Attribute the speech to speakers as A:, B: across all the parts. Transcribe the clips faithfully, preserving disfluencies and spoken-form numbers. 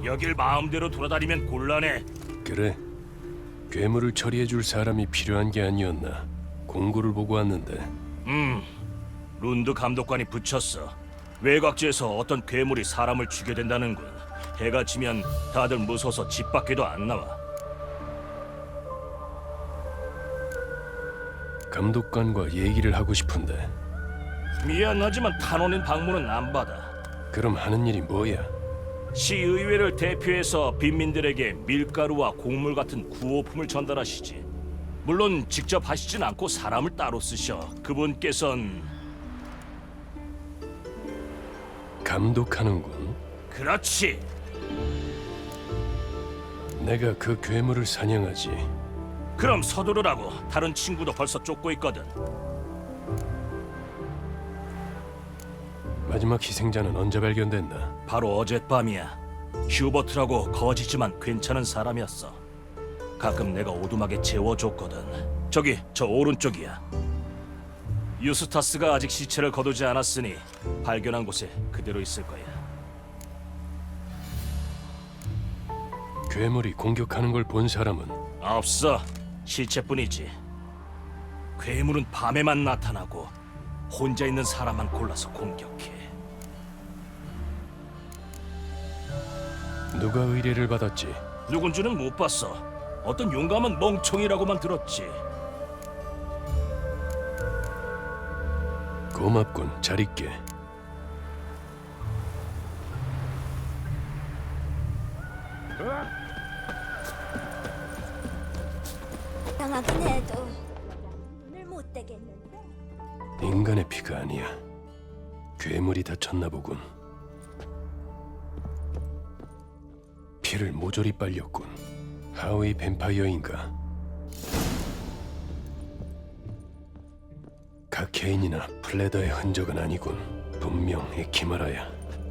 A: 여길 마음대로 돌아다니면 곤란해.
B: 그래. 괴물을 처리해줄 사람이 필요한 게 아니었나. 공고를 보고 왔는데.
A: 음, 룬드 감독관이 붙였어. 외곽지에서 어떤 괴물이 사람을 죽여댄다는군. 해가 지면 다들 무서워서 집 밖에도 안 나와.
B: 감독관과 얘기를 하고 싶은데.
A: 미안하지만 탄원인 방문은 안 받아.
B: 그럼 하는 일이 뭐야?
A: 시의회를 대표해서 빈민들에게 밀가루와 곡물 같은 구호품을 전달하시지. 물론 직접 하시진 않고 사람을 따로 쓰셔. 그분께선
B: 감독하는군.
A: 그렇지.
B: 내가 그 괴물을 사냥하지.
A: 그럼 서두르라고. 다른 친구도 벌써 쫓고 있거든.
B: 마지막 희생자는 언제 발견됐나?
A: 바로 어젯밤이야. 휴버트라고 거지지만 괜찮은 사람이었어. 가끔 내가 오두막에 재워줬거든. 저기 저 오른쪽이야. 유스타스가 아직 시체를 거두지 않았으니 발견한 곳에 그대로 있을 거야.
B: 괴물이 공격하는 걸 본 사람은?
A: 없어. 시체뿐이지. 괴물은 밤에만 나타나고 혼자 있는 사람만 골라서 공격해.
B: 누가 의뢰를 받았지?
A: 누군지는 못 봤어. 어떤 용감한 멍청이라고만 들었지.
B: 고맙군. 잘 있게.
C: 당하긴 해도 눈을 못 떼겠는데.
B: 인간의 피가 아니야. 괴물이 다쳤나 보군. 피를 모조리 빨렸군. 하위 뱀파이어인가? 카케인이나 플레더의 흔적은 아니군. 분명 에키마라야.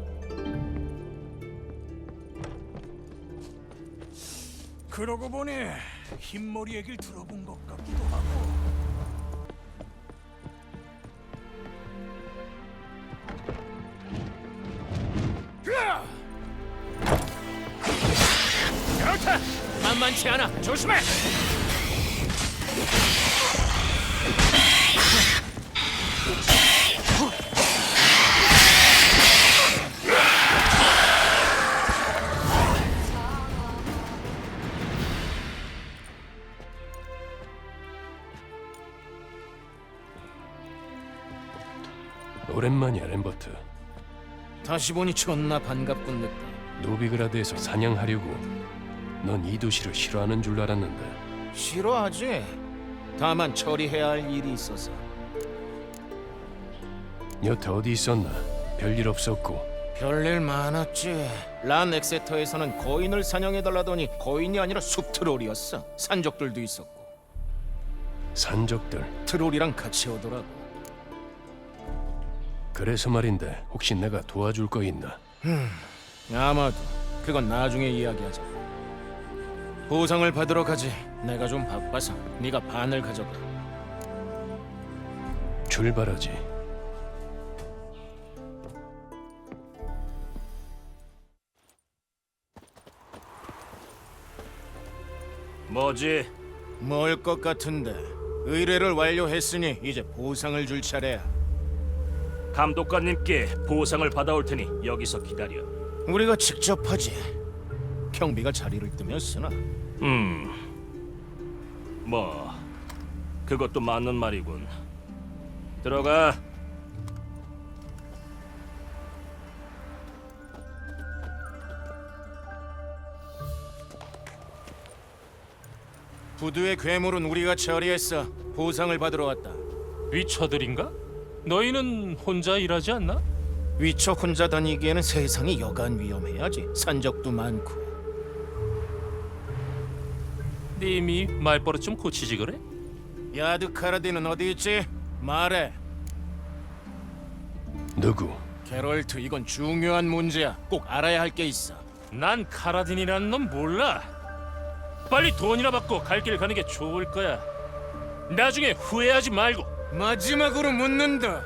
D: 그러고 보니 흰머리 얘기를 들어본 것 같기도 하고.
A: 그렇다. 만만치 않아. 조심해.
B: 오랜만이야, 램버트.
E: 다시 보니 존나 반갑군 늑대.
B: 노비그라드에서 사냥하려고. 넌 이 도시를 싫어하는 줄 알았는데.
E: 싫어하지. 다만 처리해야 할 일이 있어서.
B: 여태 어디 있었나? 별일 없었고.
E: 별일 많았지. 란 엑세터에서는 거인을 사냥해달라더니 거인이 아니라 숲트롤이었어. 산적들도 있었고.
B: 산적들.
E: 트롤이랑 같이 오더라고.
B: 그래서 말인데 혹시 내가 도와줄 거 있나?
E: 아마도 그건 나중에 이야기하자. 보상을 받으러 가지. 내가 좀 바빠서 네가 반을 가져가.
B: 출발하지.
A: 뭐지?
E: 뭘 것 같은데. 의뢰를 완료했으니 이제 보상을 줄 차례야.
A: 감독관님께 보상을 받아올 테니 여기서 기다려.
E: 우리가 직접 하지. 경비가 자리를 뜨면 쓰나.
A: 음, 뭐 그것도 맞는 말이군. 들어가.
E: 부두의 괴물은 우리가 처리했어. 보상을 받으러 왔다.
F: 위처들인가? 너희는 혼자 일하지 않나?
E: 위쳐 혼자 다니기에는 세상이 여간 위험해야지. 산적도 많고.
F: 님이 말버릇 좀 고치지 그래?
E: 야드카라디는 어디 있지? 말해.
B: 누구?
E: 게롤트, 이건 중요한 문제야. 꼭 알아야 할 게 있어.
F: 난 카라딘이라는 놈 몰라. 빨리 돈이나 받고 갈 길 가는 게 좋을 거야. 나중에 후회하지 말고.
E: 마지막으로 묻는다.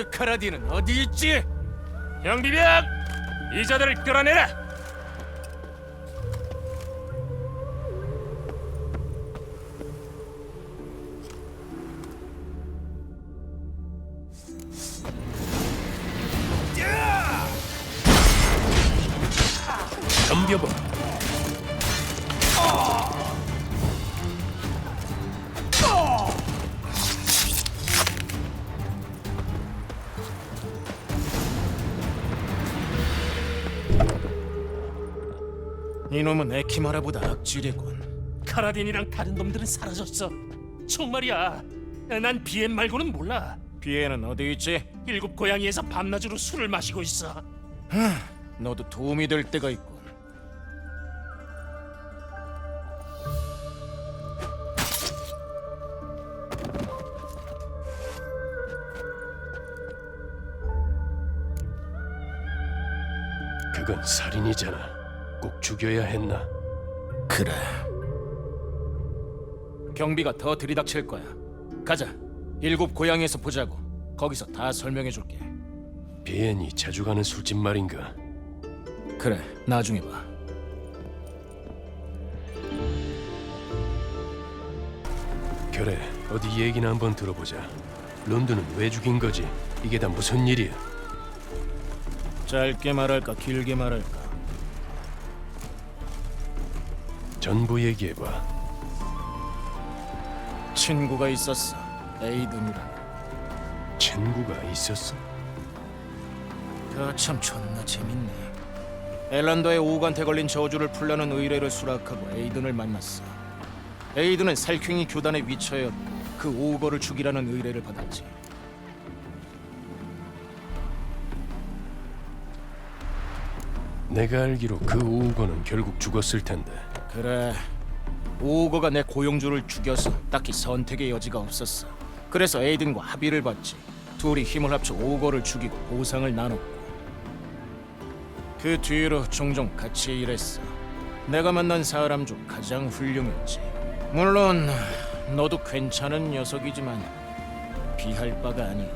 E: 야드카라디는 어디 있지?
F: 형비병! 이자들을 끌어내라!
B: 덤벼봐.
E: 이놈은 에키마라보다 악질이군.
F: 카라딘이랑 다른 놈들은 사라졌어. 정말이야. 난 비엔 말고는 몰라.
E: 비에는 어디 있지?
F: 일곱 고양이에서 밤낮으로 술을 마시고 있어.
E: 너도 도움이 될 때가 있군.
B: 그건 살인이잖아. 꼭 죽여야 했나?
E: 그래. 경비가 더 들이닥칠 거야. 가자. 일곱 고양이에서 보자고. 거기서 다 설명해 줄게.
B: 비엔이 자주 가는 술집 말인가?
E: 그래. 나중에 봐.
B: 그래, 어디 얘기나 한번 들어보자. 론드는 왜 죽인 거지? 이게 다 무슨 일이야?
E: 짧게 말할까 길게 말할까?
B: 전부 얘기해봐.
E: 친구가 있었어. 에이든이라.
B: 친구가 있었어?
E: 그참 존나 재밌네. 엘란더의 오우간테 걸린 저주를 풀려는 의뢰를 수락하고 에이든을 만났어. 에이든은 살쾡이 교단의 위처였고 그 오우거를 죽이라는 의뢰를 받았지.
B: 내가 알기로 그 오우거는 결국 죽었을 텐데.
E: 그래. 오우거가 내 고용주를 죽여서 딱히 선택의 여지가 없었어. 그래서 에이든과 합의를 봤지. 둘이 힘을 합쳐 오우거를 죽이고 보상을 나눴고. 그 뒤로 종종 같이 일했어. 내가 만난 사람 중 가장 훌륭했지. 물론 너도 괜찮은 녀석이지만 비할 바가 아니야.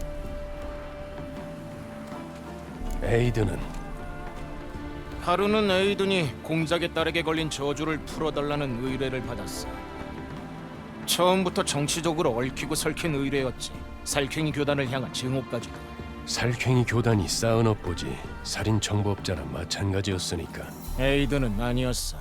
B: 에이드는
E: 하루는 에이든이 공작의 딸에게 걸린 저주를 풀어달라는 의뢰를 받았어. 처음부터 정치적으로 얽히고 설킨 의뢰였지. 살쾡이 교단을 향한 증오까지도.
B: 살쾡이 교단이 쌓은 업보지. 살인 정법자나 마찬가지였으니까.
E: 에이든은 아니었어.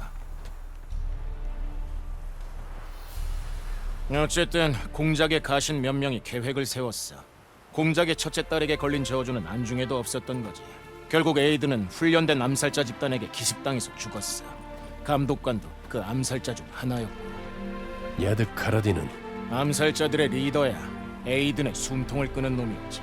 E: 어쨌든 공작의 가신 몇 명이 계획을 세웠어. 공작의 첫째 딸에게 걸린 저주는 안중에도 없었던 거지. 결국 에이든은 훈련된 암살자 집단에게 기습당해서 죽었어. 감독관도 그 암살자 중 하나였고.
B: 야드 카라딘은
E: 암살자들의 리더야. 에이든의 숨통을 끄는 놈이었지.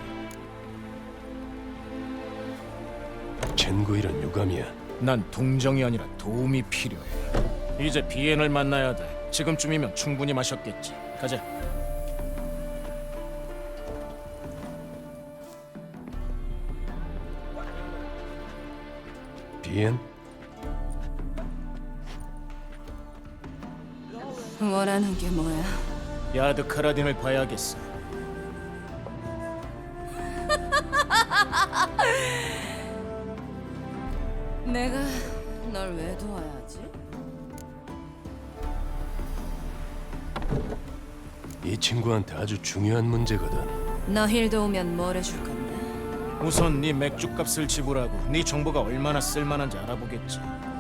B: 첸구일은 유감이야.
E: 난 동정이 아니라 도움이 필요해. 이제 비엔을 만나야 돼. 지금쯤이면 충분히 마셨겠지. 가자.
B: 비엔?
G: 원하는 게 뭐야?
E: 야드 카라딘을 봐야겠어.
G: 내가 널 왜 도와야지?
B: 이 친구한테 아주 중요한 문제거든.
G: 너 힐 도우면 뭘 해줄 건데?
E: 우선 네 맥주값을 지불하고 네 정보가 얼마나 쓸만한지 알아보겠지.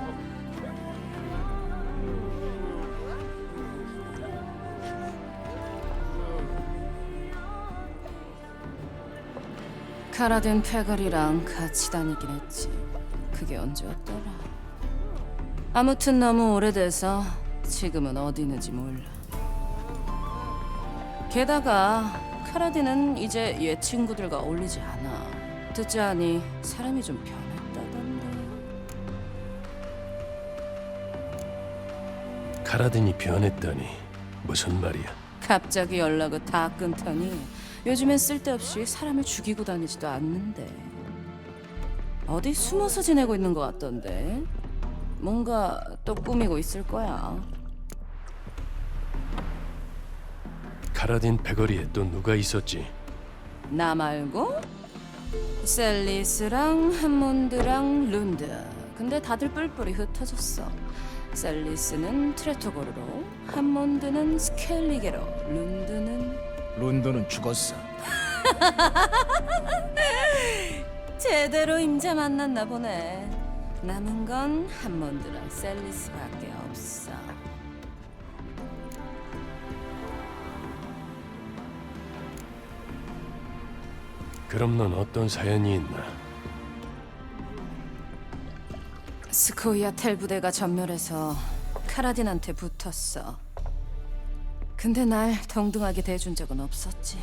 G: 카라딘 패거리랑 같이 다니긴 했지. 그게 언제였더라? 아무튼 너무 오래돼서 지금은 어디 있는지 몰라. 게다가 카라딘은 이제 옛 친구들과 어울리지 않아. 듣자하니 사람이 좀 변했다던데.
B: 카라딘이 변했다니 무슨 말이야?
G: 갑자기 연락을 다 끊더니 요즘엔 쓸데없이 사람을 죽이고 다니지도 않는데. 어디 숨어서 지내고 있는 것 같던데. 뭔가 또 꾸미고 있을 거야.
B: 카라딘 패거리에 또 누가 있었지?
G: 나 말고? 셀리스랑 한몬드랑 룬드. 근데 다들 뿔뿔이 흩어졌어. 셀리스는 트레토거르로, 한몬드는 스켈리게로, 룬드는
E: 론던은 죽었어.
G: 제대로 임자 만났나 보네. 남은 건 한몬드랑 셀리스밖에 없어.
B: 그럼 넌 어떤 사연이 있나?
G: 스코이아 텔 부대가 전멸해서 카라딘한테 붙었어. 근데 날 동등하게 대해준 적은 없었지.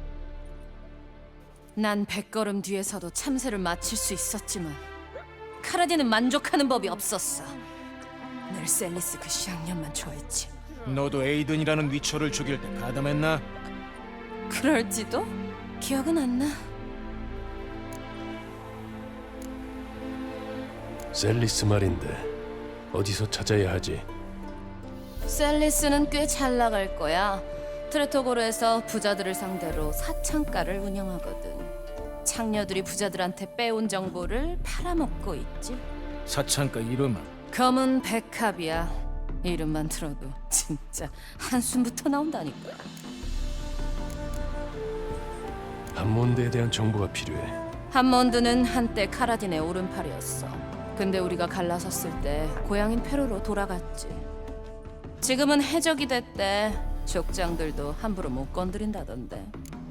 G: 난 백걸음 뒤에서도 참새를 맞힐 수 있었지만 카라딘은 만족하는 법이 없었어. 늘 셀리스 그 쌍년만 좋아했지.
E: 너도 에이든이라는 위처를 죽일 때 가담했나?
G: 그럴지도? 기억은 안 나.
B: 셀리스 말인데 어디서 찾아야 하지?
G: 셀리스는 꽤 잘 나갈 거야. 트레토고르에서 부자들을 상대로 사창가를 운영하거든. 창녀들이 부자들한테 빼온 정보를 팔아먹고 있지.
E: 사창가 이름은?
G: 검은 백합이야. 이름만 들어도 진짜 한숨부터 나온다니까.
B: 한몬드에 대한 정보가 필요해.
G: 한몬드는 한때 카라딘의 오른팔이었어. 근데 우리가 갈라섰을 때 고향인 페루로 돌아갔지. 지금은 해적이 됐대. 족장들도 함부로 못 건드린다던데.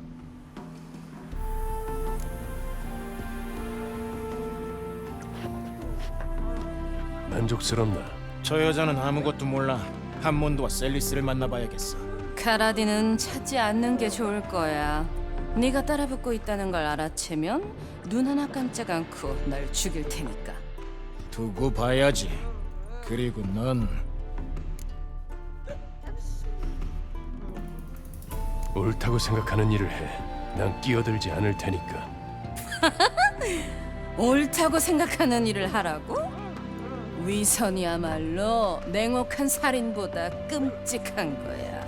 B: 만족스럽나?
E: 저 여자는 아무것도 몰라. 한몬드와 셀리스를 만나봐야겠어.
G: 카라딘은 찾지 않는 게 좋을 거야. 네가 따라붙고 있다는 걸 알아채면 눈 하나 깜짝 않고 널 죽일 테니까.
E: 두고 봐야지. 그리고 넌
B: 옳다고 생각하는 일을 해. 난 끼어들지 않을 테니까.
G: 옳다고 생각하는 일을 하라고? 위선이야말로 냉혹한 살인보다 끔찍한 거야.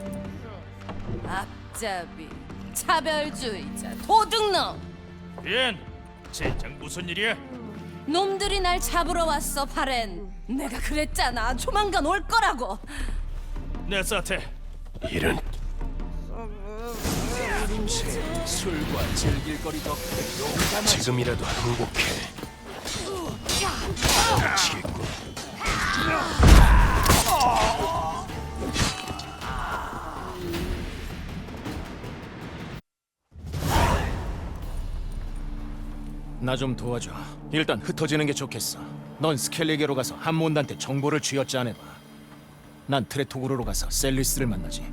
G: 앞잡이, 차별주의자, 도둑놈!
F: 린, 젠장 무슨 일이야?
G: 놈들이 날 잡으러 왔어, 바렌. 내가 그랬잖아. 조만간 올 거라고.
F: 내 사태.
B: 이런
A: 술과 즐길 거리 덕분에 용감하지.
B: 지금이라도 항복해. 미치겠군.
E: 나 좀 도와줘. 일단 흩어지는 게 좋겠어. 넌 스켈리게로 가서 한몬드한테 정보를 쥐어짜내봐. 난 트레토고르로 가서 셀리스를 만나지.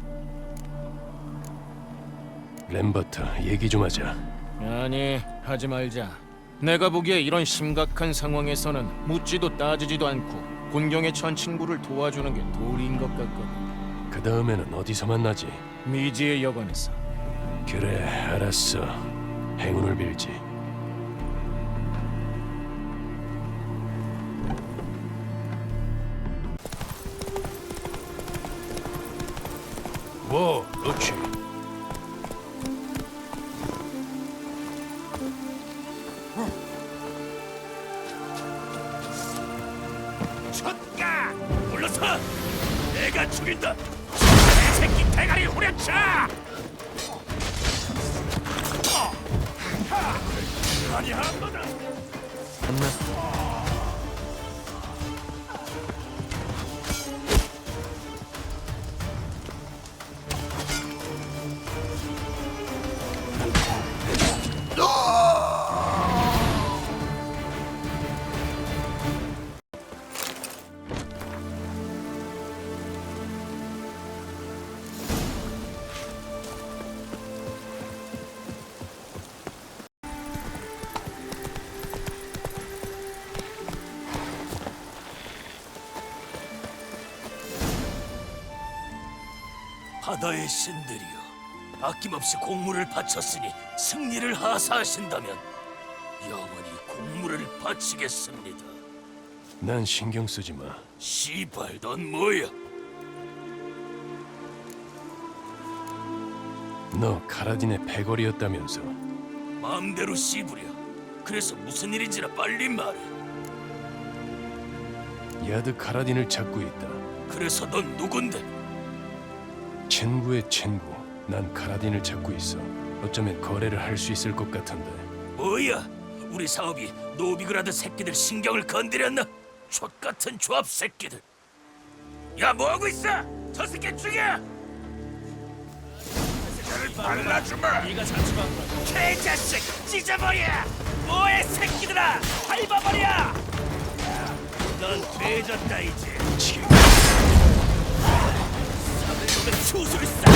B: 램버트, 얘기 좀 하자.
E: 아니, 하지 말자. 내가 보기에 이런 심각한 상황에서는 묻지도 따지지도 않고 곤경에 처한 친구를 도와주는 게 도리인 것 같거든.
B: 그 다음에는 어디서 만나지?
E: 미지의 여관에서.
B: 그래, 알았어. 행운을 빌지. 뭐, 그렇지.
A: 쳤가! 물러서! 내가 죽인다! 이 새끼 대가리 후려쳐! 아니 한 번은 바다의 신들이여, 아낌없이 공물을 바쳤으니 승리를 하사하신다면 영원히 공물을 바치겠습니다.
B: 난 신경 쓰지 마.
A: 시발, 넌 뭐야?
B: 너 카라딘의 패거리였다면서.
A: 마음대로 씨부려. 그래서 무슨 일인지나 빨리 말해.
B: 야드 카라딘을 찾고 있다.
A: 그래서 넌 누군데?
B: 친구의 친구. 난 카라딘을 찾고 있어. 어쩌면 거래를 할 수 있을 것 같은데.
A: 뭐야? 우리 사업이 노비그라드 새끼들 신경을 건드렸나? 족같은 조합 새끼들. 야, 뭐하고 있어? 저 새끼 죽여! 발라주마! 네가 자초한 거야. 개자식! 찢어버려! 뭐해 새끼들아! 밟아버려! 넌 돼졌다 이제. 지금 사들놈의 추술사!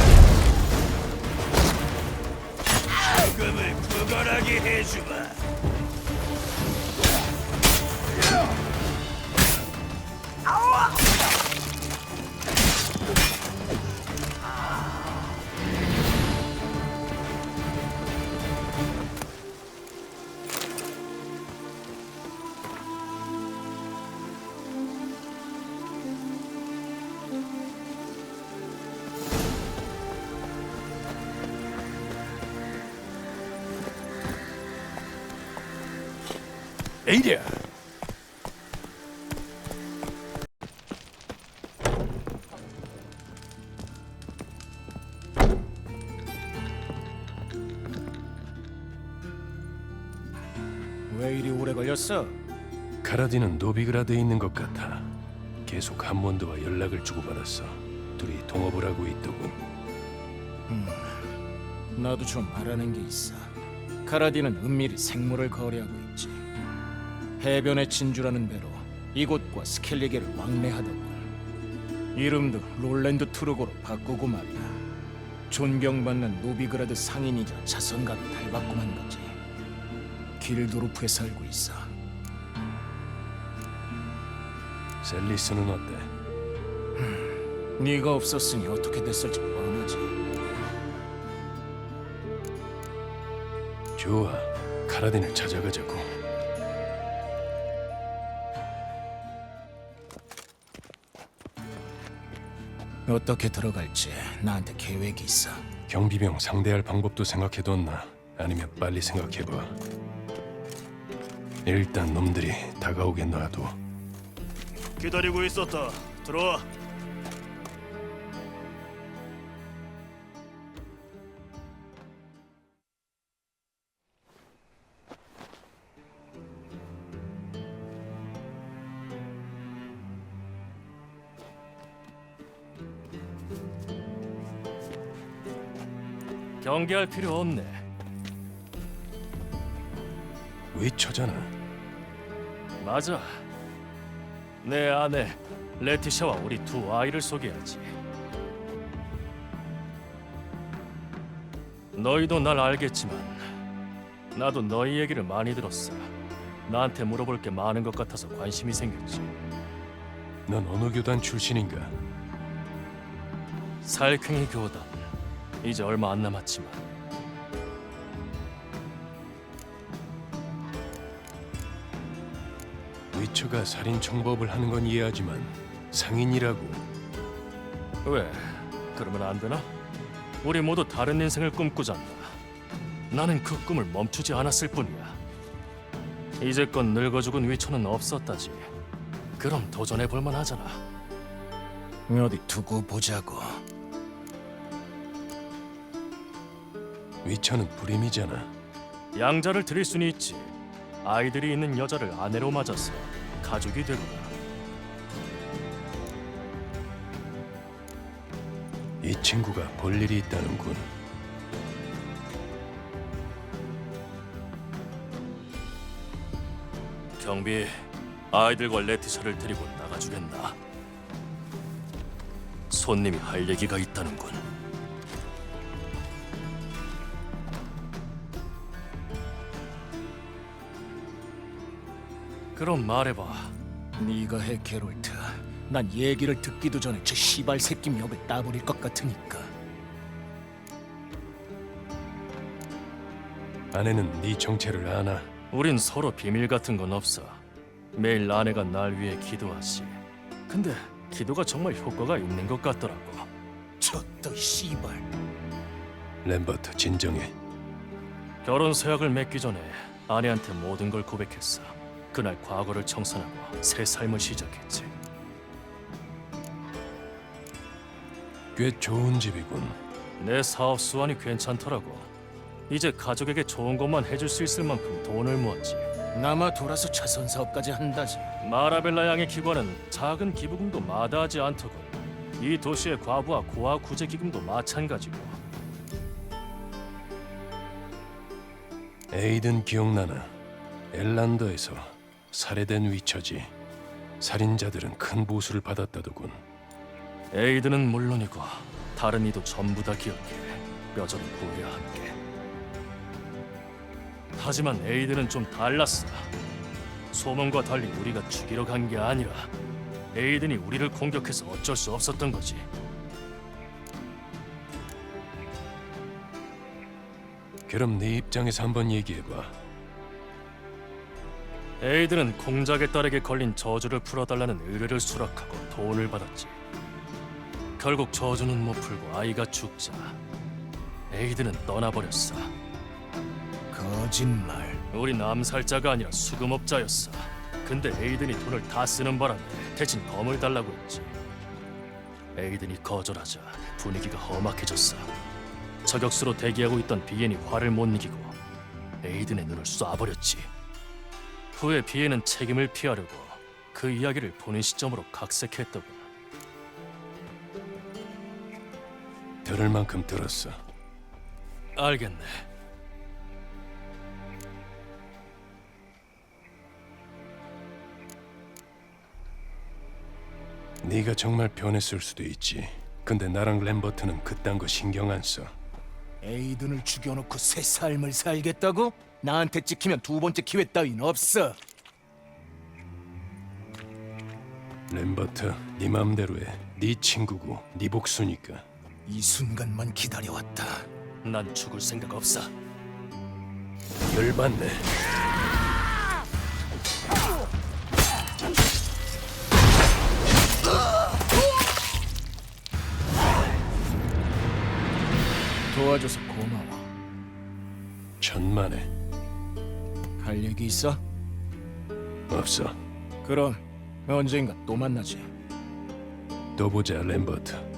A: 죽음을 구걸하게 해주마.
B: 에이리야.
E: 왜 이리 오래 걸렸어?
B: 카라딘은 노비그라드에 있는 것 같아. 계속 한몬드와 연락을 주고받았어. 둘이 동업을 하고 있더군.
E: 나도 좀 알아낸 게 있어. 카라딘은 은밀히 생물을 거래하고 있지. 해변의 진주라는 배로 이곳과 스켈리게를 왕래하더군. 이름도 롤랜드 트루고로 바꾸고 말이야. 존경받는 노비그라드 상인이자 자선가로 달바꿈한 거지. 길도르프에 살고 있어.
B: 셀리스는 어때?
E: 네가 없었으니 어떻게 됐을지 뻔하지.
B: 좋아, 카라딘을 찾아가자고.
E: 어떻게 들어갈지 나한테 계획이 있어.
B: 경비병 상대할 방법도 생각해뒀나? 아니면 빨리 생각해봐. 일단 놈들이 다가오게 놔둬.
A: 기다리고 있었다. 들어와.
F: 경계할 필요 없네.
B: 위쳐잖아.
F: 맞아. 내 아내 레티샤와 우리 두 아이를 소개하지. 너희도 날 알겠지만 나도 너희 얘기를 많이 들었어. 나한테 물어볼 게 많은 것 같아서 관심이 생겼지.
B: 넌 어느 교단 출신인가?
F: 살쾡이 교단. 이제 얼마 안 남았지만
B: 위쳐가 살인 청법을 하는 건 이해하지만 상인이라고.
F: 왜? 그러면 안 되나? 우리 모두 다른 인생을 꿈꾸잖아. 나는 그 꿈을 멈추지 않았을 뿐이야. 이제껏 늙어 죽은 위쳐는 없었다지. 그럼 도전해 볼 만하잖아.
E: 어디 두고 보자고.
B: 위쳐는 불임이잖아.
F: 양자를 드릴 수는 있지. 아이들이 있는 여자를 아내로 맞아서 가족이 되거나.
B: 이 친구가 볼 일이 있다는군.
F: 경비, 아이들과 레티샤를 데리고 나가주겠나? 손님이 할 얘기가 있다는군. 그럼 말해봐.
E: 네가 해, 게롤트. 난 얘기를 듣기도 전에 저 시발 새끼 멱을 따버릴 것 같으니까.
B: 아내는 네 정체를 아나?
F: 우린 서로 비밀 같은 건 없어. 매일 아내가 날 위해 기도하지. 근데 기도가 정말 효과가 있는 것 같더라고.
E: 저또 시발.
B: 램버트 진정해.
F: 결혼 서약을 맺기 전에 아내한테 모든 걸 고백했어. 그날 과거를 청산하고 새 삶을 시작했지.
B: 꽤 좋은 집이군.
F: 내 사업 수완이 괜찮더라고. 이제 가족에게 좋은 것만 해줄 수 있을 만큼 돈을 모았지.
E: 남아 돌아서 자선 사업까지 한다지.
F: 마라벨라 양의 기관은 작은 기부금도 마다하지 않더군. 이 도시의 과부와 고아 구제 기금도 마찬가지고.
B: 에이든 기억나나? 엘란더에서 살해된 위처지. 살인자들은 큰 보수를 받았다더군.
F: 에이드는 물론이고 다른 이도 전부 다 기억해. 뼈저린 후회와 함께. 하지만 에이드는 좀 달랐어. 소문과 달리 우리가 죽이러 간 게 아니라 에이든이 우리를 공격해서 어쩔 수 없었던 거지.
B: 그럼 네 입장에서 한번 얘기해봐.
F: 에이든은 공작의 딸에게 걸린 저주를 풀어달라는 의뢰를 수락하고 돈을 받았지. 결국 저주는 못 풀고 아이가 죽자 에이든은 떠나버렸어.
E: 거짓말.
F: 우린 암살자가 아니라 수금업자였어. 근데 에이든이 돈을 다 쓰는 바람에 대신 검을 달라고 했지. 에이든이 거절하자 분위기가 험악해졌어. 저격수로 대기하고 있던 비엔이 화를 못 이기고 에이든의 눈을 쏴버렸지. 후에 비엔은 책임을 피하려고 그 이야기를 보는 시점으로 각색했더군.
B: 들을 만큼 들었어.
F: 알겠네.
B: 네가 정말 변했을 수도 있지. 근데 나랑 램버트는 그딴 거 신경 안 써.
E: 에이든을 죽여놓고 새 삶을 살겠다고? 나한테 찍히면 두 번째 기회 따윈 없어.
B: 램버트, 네 맘대로 해. 네 친구고 네 복수니까.
E: 이 순간만 기다려왔다.
F: 난 죽을 생각 없어.
B: 열받네.
E: 도와줘서 고마워.
B: 천만에.
E: 할 얘기 있어?
B: 없어.
E: 그럼 언젠가 또 만나지.
B: 또 보자, 램버트.